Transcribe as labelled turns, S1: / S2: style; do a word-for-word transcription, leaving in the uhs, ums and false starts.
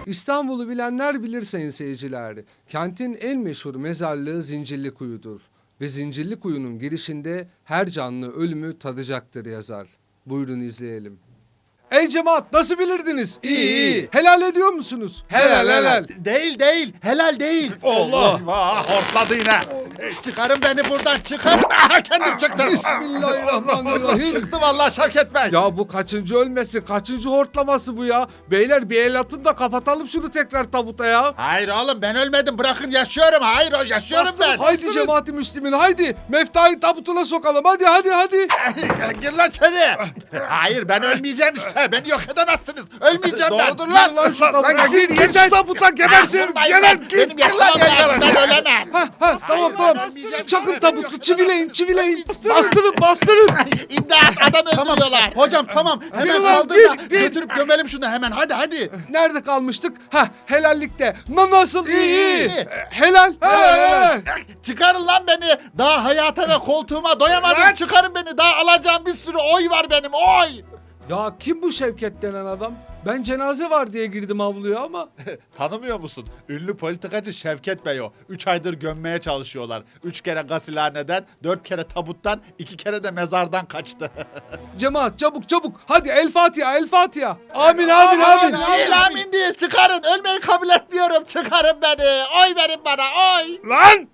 S1: İstanbul'u bilenler bilir sayın seyirciler. Kentin en meşhur mezarlığı Zincirlikuyu'dur. Ve Zincirlikuyu'nun girişinde her canlı ölümü tadacaktır yazar. Buyurun izleyelim. Ey cemaat, nasıl bilirdiniz?
S2: İyi, iyi.
S1: Helal ediyor musunuz?
S2: Helal, helal.
S3: Değil değil, helal değil.
S2: Allah! Eyvah, hortladı yine.
S3: Çıkarın beni buradan, çıkarın.
S2: Aha, kendim çıktım.
S1: Bismillahirrahmanirrahim.
S2: Çıktı vallahi Şevket Bey.
S1: Ya bu kaçıncı ölmesi, kaçıncı hortlaması bu ya? Beyler bir el atın da kapatalım şunu tekrar tabuta ya.
S3: Hayır oğlum, ben ölmedim, bırakın yaşıyorum. Hayır, o yaşıyorum ben.
S1: Haydi cemaati Müslümin, haydi. Meftayı tabutuna sokalım, hadi hadi hadi.
S2: Gir lan içeri.
S3: Hayır, ben ölmeyeceğim işte. Beni yok edemezsiniz. Ölmeyeceğim ben.
S2: Doğrudur lan.
S1: Lan şu tabuta,
S2: Lan
S1: gir,
S2: gir,
S1: gir
S2: gir.
S1: şu tabuta gebersin.
S3: Vurmayın
S1: Gelen
S3: lan.
S1: gir.
S3: Benim yaşamam lazım, ben ölemem.
S1: Ha ha tamam
S3: Hayır,
S1: tamam.
S3: ben ölmeyeceğim.
S1: Çakın tabutu, çivileyin çivileyin. Bastırın bastırın.
S3: İmdat, adam öldürüyorlar.
S2: Hocam tamam. Hemen
S1: Gir lan,
S2: kaldır
S1: gir,
S2: da
S1: gir.
S2: götürüp gömelim şunu hemen. Hadi hadi.
S1: Nerede kalmıştık? Ha helallikte. Na nasıl iyi iyi.
S2: İyi.
S1: E, Helal. Helal helal.
S3: Çıkarın lan beni. Daha hayata ve koltuğuma doyamadım.
S2: Lan.
S3: Çıkarın beni. Daha alacağım bir sürü oy var benim. Oy.
S1: Ya kim bu Şevket denen adam? Ben cenaze var diye girdim avluya ama.
S2: Tanımıyor musun? Ünlü politikacı Şevket Bey o. Üç aydır gömmeye çalışıyorlar. Üç kere gasilhaneden, dört kere tabuttan, iki kere de mezardan kaçtı.
S1: Cemaat çabuk çabuk. Hadi El Fatiha El Fatiha. Amin amin amin.
S3: Değil amin değil. Çıkarın. Ölmeyi kabul etmiyorum. Çıkarın beni. Oy verin bana. Oy.
S2: Lan!